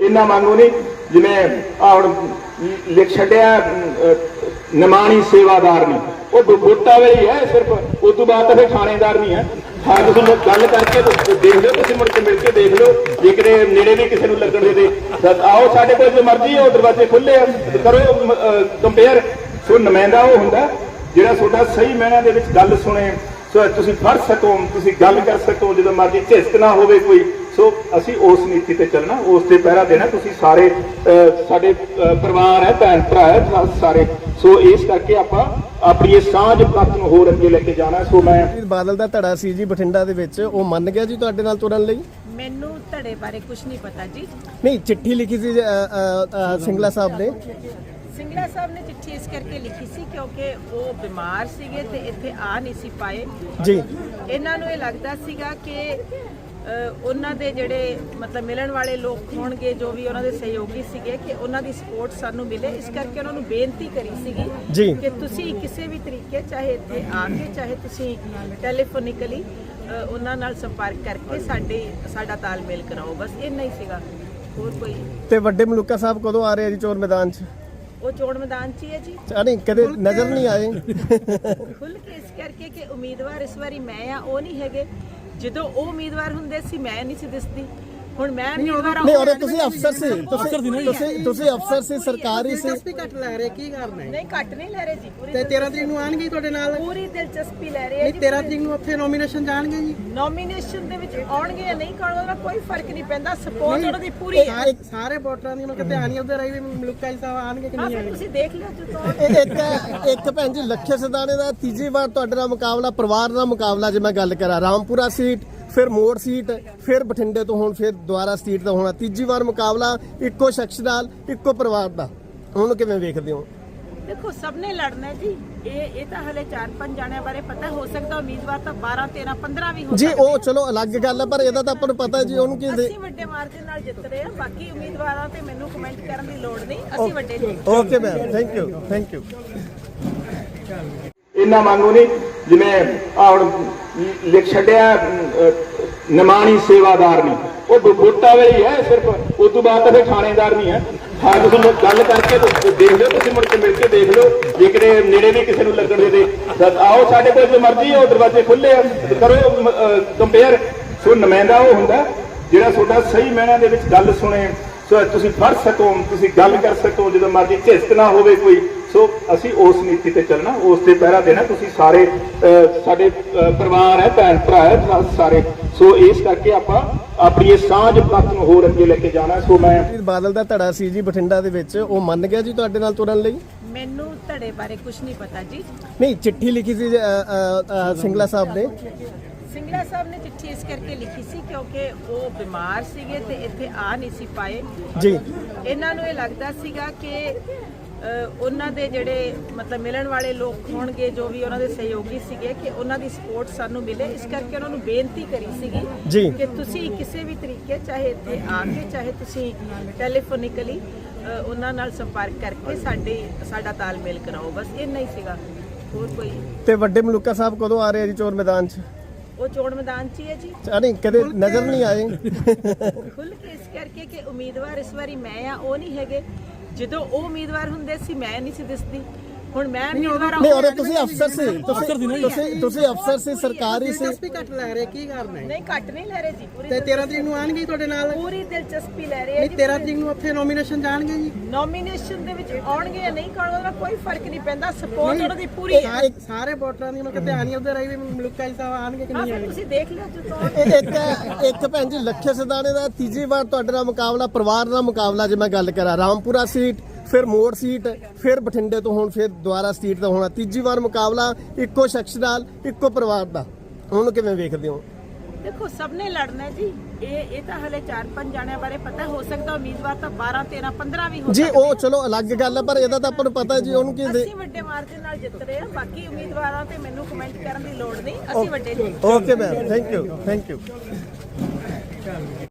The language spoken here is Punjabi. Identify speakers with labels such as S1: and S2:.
S1: इन्ना मांगू नहीं जिवें ਹੁਣ लिख छड्डिया निमाणी सेवादार नहीं वो वोटा वे ही है सिर्फ उस तो बाद तो फिर थानेदार नहीं है। हाँ तुम गल करके देख लो तुम मुड़ के मिल के देख लो जे कि नेड़े भी किसी को लगन दे आओ साढ़े को जो मर्जी हो दरवाजे खुले करो कंपेयर। सो नुमाइंदा वो हुंदा जिहड़ा तुहाडा सही मैना दे विच गल सुने सो तुसीं पढ़ सको तुसीं गल कर सको जो मर्जी झिझक ना होवे कोई। सो असी उस नीति ते चलना उस ते पहरा देना तुसीं सारे साडे परिवार है भैन भरा है सारे। सो इस करके आपां अपनी ये सांझ पथ नूं होर अगे लेके जाना। सो मैं
S2: बादल दा धड़ा सी जी बठिंडा दे विच ਉਹ ਮੰਨ ਗਿਆ ਜੀ ਤੁਹਾਡੇ ਨਾਲ ਤੁਰਨ ਲਈ।
S3: ਮੈਨੂੰ ਧੜੇ ਬਾਰੇ ਕੁਝ ਨਹੀਂ ਪਤਾ ਜੀ।
S2: ਨਹੀਂ ਚਿੱਠੀ ਲਿਖੀ ਸੀ ਸਿੰਗਲਾ ਸਾਹਿਬ ਨੇ।
S3: ਸਿੰਗਲਾ ਸਾਹਿਬ ਨੇ ਚਿੱਠੀ ਇਸ ਕਰਕੇ ਲਿਖੀ ਸੀ ਕਿਉਂਕਿ ਉਹ ਬਿਮਾਰ ਸੀਗੇ ਤੇ ਇੱਥੇ ਆ ਨਹੀਂ ਸੀ ਪਾਏ
S2: ਜੀ।
S3: ਇਹਨਾਂ ਨੂੰ ਇਹ ਲੱਗਦਾ ਸੀਗਾ ਕਿ ਉਹਨਾਂ ਦੇ ਜਿਹੜੇ ਮਤਲਬ ਮਿਲਣ ਵਾਲੇ ਲੋਕ ਹੋਣਗੇ ਜੋ ਵੀ ਉਹਨਾਂ ਦੇ ਸਹਿਯੋਗੀ ਸੀਗੇ ਕਿ ਉਹਨਾਂ ਦੀ ਸਪੋਰਟ ਸਾਨੂੰ ਮਿਲੇ ਇਸ ਕਰਕੇ ਉਹਨਾਂ ਨੂੰ ਬੇਨਤੀ ਕਰੀ ਸੀਗੀ ਕਿ ਤੁਸੀਂ ਕਿਸੇ ਵੀ ਤਰੀਕੇ ਚਾਹੇ ਇੱਥੇ ਆ ਕੇ ਚਾਹੇ ਤੁਸੀਂ ਟੈਲੀਫੋਨਿਕਲੀ ਉਹਨਾਂ ਨਾਲ ਸੰਪਰਕ ਕਰਕੇ ਸਾਡਾ ਤਾਲਮੇਲ ਕਰਾਓ ਬਸ ਇੰਨਾ ਹੀ ਸੀਗਾ ਹੋਰ ਕੋਈ।
S2: ਤੇ ਵੱਡੇ ਮਲੂਕਾ ਸਾਹਿਬ ਕਦੋਂ ਆ ਰਹੇ ਆ ਜੀ ਚੋਣ ਮੈਦਾਨ 'ਚ?
S3: ਉਹ ਚੋਣ ਮੈਦਾਨ 'ਚ ਹੀ ਹੈ ਜੀ।
S2: ਨਹੀਂ ਕਦੇ ਨਜ਼ਰ ਨਹੀਂ ਆਏ
S3: ਖੁੱਲ ਕੇ ਇਸ ਕਰਕੇ ਕਿ ਉਮੀਦਵਾਰ ਇਸ ਵਾਰੀ ਮੈਂ ਆ ਉਹ ਨਹੀਂ ਹੈਗੇ। ਜਦੋਂ ਉਹ ਉਮੀਦਵਾਰ ਹੁੰਦੇ ਸੀ ਮੈਂ ਨਹੀਂ ਸੀ ਦਿਸਦੀ ਹੁਣ ਮੈਂ ਉਮੀਦਵਾਰ
S2: ਨਹੀਂ ਔਰ ਤੁਸੀਂ ਅਫਸਰ ਸੀ ਤੁਸੀਂ ਅਫਸਰ ਸੀ ਸਰਕਾਰੀ ਸੀ
S4: ਦਿਲਚਸਪੀ ਘੱਟ ਲੈ ਰਹੇ ਕੀ ਕਰਨਾ ਹੈ?
S3: ਨਹੀਂ ਘੱਟ ਨਹੀਂ ਲੈ ਰਹੇ ਜੀ
S4: ਤੇ 13 ਤਰੀਕ ਨੂੰ ਆਣਗੇ ਤੁਹਾਡੇ ਨਾਲ
S3: ਪੂਰੀ ਦਿਲਚਸਪੀ ਲੈ ਰਹੇ ਆ
S4: ਨਹੀਂ
S3: ਜੀ।
S4: 13 ਤਰੀਕ ਨੂੰ ਉੱਥੇ ਨੋਮੀਨੇਸ਼ਨ ਜਾਣਗੇ ਜੀ।
S3: ਨੋਮੀਨੇਸ਼ਨ ਦੇ ਵਿੱਚ ਆਉਣਗੇ ਜਾਂ ਨਹੀਂ ਕਰਨਗੇ ਉਹਦਾ ਕੋਈ ਫਰਕ ਨਹੀਂ ਪੈਂਦਾ ਸਪੋਰਟ ਉਹਨਾਂ ਦੀ ਪੂਰੀ ਹੈ।
S4: ਸਾਰੇ ਵੋਟਰਾਂ ਦੀ ਮਤਲਬ ਧਿਆਨ ਹੀ ਉਧਰ ਆਈ ਵੀ ਮਲੂਕਾ ਜੀ ਸਾਹਿਬ ਆਣਗੇ ਕਿ
S3: ਹਾਂ
S4: ਨਹੀਂ
S3: ਫਿਰ
S4: ਆਣਗੇ।
S3: ਤੁਸੀਂ ਦੇਖ ਲਿਓ ਜਦੋਂ
S2: ਇੱਕ ਭੈਣ ਜੀ ਲੱਖੇ ਸਦਾਣੇ ਦਾ ਤੀਜੀ ਵਾਰ ਤੁਹਾਡੇ ਨਾਲ ਮੁਕਾਬਲਾ ਪਰਿਵਾਰ ਨਾਲ ਮੁਕਾਬਲਾ ਜੇ ਮੈਂ ਗੱਲ ਕਰਾਂ ਰਾਮਪੁਰਾ ਸੀਟ ਫਿਰ ਮੋੜ ਸੀਟ ਫਿਰ ਬਠਿੰਡੇ ਤੋਂ ਹੁਣ ਫਿਰ ਦੁਬਾਰਾ ਸੀਟ ਦਾ ਹੋਣਾ ਤੀਜੀ ਵਾਰ ਮੁਕਾਬਲਾ ਇੱਕੋ ਸ਼ਖਸ ਨਾਲ ਇੱਕੋ ਪਰਿਵਾਰ ਦਾ ਉਹਨੂੰ ਕਿਵੇਂ ਵੇਖਦੇ ਹੋ?
S3: ਦੇਖੋ ਸਭ ਨੇ ਲੜਨਾ ਜੀ ਇਹ ਤਾਂ ਹਲੇ 4-5 ਜਾਣਿਆਂ ਬਾਰੇ ਪਤਾ ਹੋ ਸਕਦਾ ਉਮੀਦਵਾਰ ਤਾਂ 12 13 15 ਵੀ ਹੋ
S2: ਜੀ ਉਹ ਚਲੋ ਅਲੱਗ ਗੱਲ ਹੈ ਪਰ ਇਹਦਾ ਤਾਂ ਆਪਾਂ ਨੂੰ ਪਤਾ ਜੀ ਉਹਨੂੰ ਕੀ
S3: ਅਸੀਂ ਵੱਡੇ ਮਾਰਜਨ ਨਾਲ ਜਿੱਤ ਰਹੇ ਆ ਬਾਕੀ ਉਮੀਦਵਾਰਾਂ ਤੇ ਮੈਨੂੰ ਕਮੈਂਟ ਕਰਨ ਦੀ ਲੋੜ ਨਹੀਂ ਅਸੀਂ ਵੱਡੇ ਜੀ।
S2: ਓਕੇ ਮੈਮ ਥੈਂਕ ਯੂ
S1: इन्ना मांगू नहीं जिवें ਹੁਣ लिख छड्डिया निमाणी सेवादार नहीं वो वोटा वे ही है सिर्फ उस तो बाद तो फिर थानेदार नहीं है। हाँ तुम गल करके देख लो तुम मुड़ के मिल के देख लो जे कि नेड़े भी किसी को लगन दे आओ साढ़े को जो मर्जी हो दरवाजे खुले करो कंपेयर। सो नुमाइंदा वो हुंदा जिहड़ा तुहाडा सही मैना दे विच गल सुने सो तुसीं पढ़ सको तुसीं गल कर सको जो मर्जी झिझक ना होवे कोई। सो असी उस नीति ते चलना उस ते पहरा देना तुसीं सारे साडे परिवार है भैन भरा है सारे। सो इस करके आपां अपनी ये सांझ पथ नूं होर अगे लेके जाना। सो मैं
S2: ਬਾਦਲ ਦਾ ਧੜਾ ਸੀ ਜੀ ਬਠਿੰਡਾ ਦੇ ਵਿੱਚ ਉਹ ਮੰਨ ਗਿਆ ਜੀ ਤੁਹਾਡੇ ਨਾਲ ਤੁਰਨ ਲਈ।
S3: ਮੈਨੂੰ ਧੜੇ ਬਾਰੇ ਕੁਝ ਨਹੀਂ ਪਤਾ ਜੀ।
S2: ਨਹੀਂ ਚਿੱਠੀ ਲਿਖੀ ਸੀ ਸਿੰਗਲਾ ਸਾਹਿਬ ਨੇ।
S3: ਸਿੰਗਲਾ ਸਾਹਿਬ ਨੇ ਚਿੱਠੀ ਇਸ ਕਰਕੇ ਲਿਖੀ ਸੀ ਕਿਉਂਕਿ ਉਹ ਬਿਮਾਰ ਸੀਗੇ ਤੇ ਇੱਥੇ ਆ ਨਹੀਂ ਸੀ ਪਾਏ
S2: ਜੀ।
S3: ਇਹਨਾਂ ਨੂੰ ਇਹ ਲੱਗਦਾ ਸੀਗਾ ਕਿ ਉਹਨਾਂ ਦੇ ਜਿਹੜੇ ਮਤਲਬ ਮਿਲਣ ਵਾਲੇ ਲੋਕ ਹੋਣਗੇ ਜੋ ਵੀ ਉਹਨਾਂ ਦੇ ਸਹਿਯੋਗੀ ਸੀਗੇ ਕਿ ਉਹਨਾਂ ਦੀ ਸਪੋਰਟ ਸਾਨੂੰ ਮਿਲੇ ਇਸ ਕਰਕੇ ਉਹਨਾਂ ਨੂੰ ਬੇਨਤੀ ਕਰੀ ਸੀਗੀ ਕਿ ਤੁਸੀਂ ਕਿਸੇ ਵੀ ਤਰੀਕੇ ਚਾਹੇ ਇੱਥੇ ਆ ਕੇ ਚਾਹੇ ਤੁਸੀਂ ਟੈਲੀਫੋਨਿਕਲੀ ਉਹਨਾਂ ਨਾਲ ਸੰਪਰਕ ਕਰਕੇ ਸਾਡਾ ਤਾਲਮੇਲ ਕਰਾਓ ਬਸ ਇੰਨਾ ਹੀ ਸੀਗਾ ਹੋਰ ਕੋਈ।
S2: ਤੇ ਵੱਡੇ ਮਲੂਕਾ ਸਾਹਿਬ ਕਦੋਂ ਆ ਰਹੇ ਆ ਜੀ ਚੋਣ ਮੈਦਾਨ 'ਚ?
S3: ਉਹ ਚੋਣ ਮੈਦਾਨ 'ਚ ਹੀ ਹੈ ਜੀ।
S2: ਨਹੀਂ ਕਦੇ ਨਜ਼ਰ ਨਹੀਂ ਆਏ
S3: ਖੁੱਲ ਕੇ ਇਸ ਕਰਕੇ ਕਿ ਉਮੀਦਵਾਰ ਇਸ ਵਾਰੀ ਮੈਂ ਆ ਉਹ ਨਹੀਂ ਹੈਗੇ। ਜਦੋਂ ਉਹ ਉਮੀਦਵਾਰ ਹੁੰਦੇ ਸੀ ਮੈਂ ਨਹੀਂ ਸੀ ਦਿਸਦੀ ਹੁਣ ਮੈਂ ਉਮੀਦਵਾਰ
S2: ਨਹੀਂ ਔਰ ਤੁਸੀਂ ਅਫਸਰ ਸੀ ਤੁਸੀਂ ਅਫਸਰ ਸੀ ਸਰਕਾਰੀ ਸੀ
S4: ਦਿਲਚਸਪੀ ਘੱਟ ਲੈ ਰਹੇ ਕੀ ਕਰਨਾ ਹੈ?
S3: ਨਹੀਂ ਘੱਟ ਨਹੀਂ ਲੈ ਰਹੇ ਜੀ
S4: ਤੇ 13 ਤਰੀਕ ਨੂੰ ਆਣਗੇ ਤੁਹਾਡੇ ਨਾਲ
S3: ਪੂਰੀ ਦਿਲਚਸਪੀ ਲੈ ਰਹੇ ਆ
S4: ਨਹੀਂ
S3: ਜੀ।
S4: 13 ਤਰੀਕ ਨੂੰ ਉੱਥੇ ਨੋਮੀਨੇਸ਼ਨ ਜਾਣਗੇ ਜੀ।
S3: ਨੋਮੀਨੇਸ਼ਨ ਦੇ ਵਿੱਚ ਆਉਣਗੇ ਜਾਂ ਨਹੀਂ ਕਰਨਗੇ ਉਹਦਾ ਕੋਈ ਫਰਕ ਨਹੀਂ ਪੈਂਦਾ ਸਪੋਰਟ ਉਹਨਾਂ ਦੀ ਪੂਰੀ ਹੈ।
S4: ਸਾਰੇ ਵੋਟਰਾਂ ਦੀ ਮਤਲਬ ਧਿਆਨ ਹੀ ਉਧਰ ਆਈ ਵੀ ਮਲੂਕਾ ਜੀ ਸਾਹਿਬ ਆਣਗੇ ਕਿ
S3: ਹਾਂ
S4: ਨਹੀਂ
S3: ਫਿਰ
S4: ਆਣਗੇ।
S3: ਤੁਸੀਂ ਦੇਖ ਲਿਓ ਜਦੋਂ
S2: ਇੱਕ ਭੈਣ ਜੀ ਲੱਖੇ ਸਦਾਣੇ ਦਾ ਤੀਜੀ ਵਾਰ ਤੁਹਾਡੇ ਨਾਲ ਮੁਕਾਬਲਾ ਪਰਿਵਾਰ ਨਾਲ ਮੁਕਾਬਲਾ ਜੇ ਮੈਂ ਗੱਲ ਕਰਾਂ ਰਾਮਪੁਰਾ ਸੀਟ ਫਿਰ ਮੋੜ ਸੀਟ ਫਿਰ ਬਠਿੰਡੇ ਤੋਂ ਹੁਣ ਫਿਰ ਦੁਬਾਰਾ ਸੀਟ ਦਾ ਹੋਣਾ ਤੀਜੀ ਵਾਰ ਮੁਕਾਬਲਾ ਇੱਕੋ ਸ਼ਖਸ ਨਾਲ ਇੱਕੋ ਪਰਿਵਾਰ ਦਾ ਉਹਨੂੰ ਕਿਵੇਂ ਵੇਖਦੇ ਹੋ?
S3: ਦੇਖੋ ਸਭ ਨੇ ਲੜਨਾ ਜੀ ਇਹ ਤਾਂ ਹਲੇ 4-5 ਜਾਣਿਆਂ ਬਾਰੇ ਪਤਾ ਹੋ ਸਕਦਾ ਉਮੀਦਵਾਰ ਤਾਂ 12 13 15 ਵੀ ਹੋ
S2: ਜੀ ਉਹ ਚਲੋ ਅਲੱਗ ਗੱਲ ਹੈ ਪਰ ਇਹਦਾ ਤਾਂ ਆਪਾਂ ਨੂੰ ਪਤਾ ਜੀ ਉਹਨੂੰ ਕੀ
S3: ਅਸੀਂ ਵੱਡੇ ਮਾਰਜਨ ਨਾਲ ਜਿੱਤ ਰਹੇ ਆ ਬਾਕੀ ਉਮੀਦਵਾਰਾਂ ਤੇ ਮੈਨੂੰ ਕਮੈਂਟ ਕਰਨ ਦੀ ਲੋੜ ਨਹੀਂ ਅਸੀਂ ਵੱਡੇ ਜੀ।
S2: Okay ma'am thank you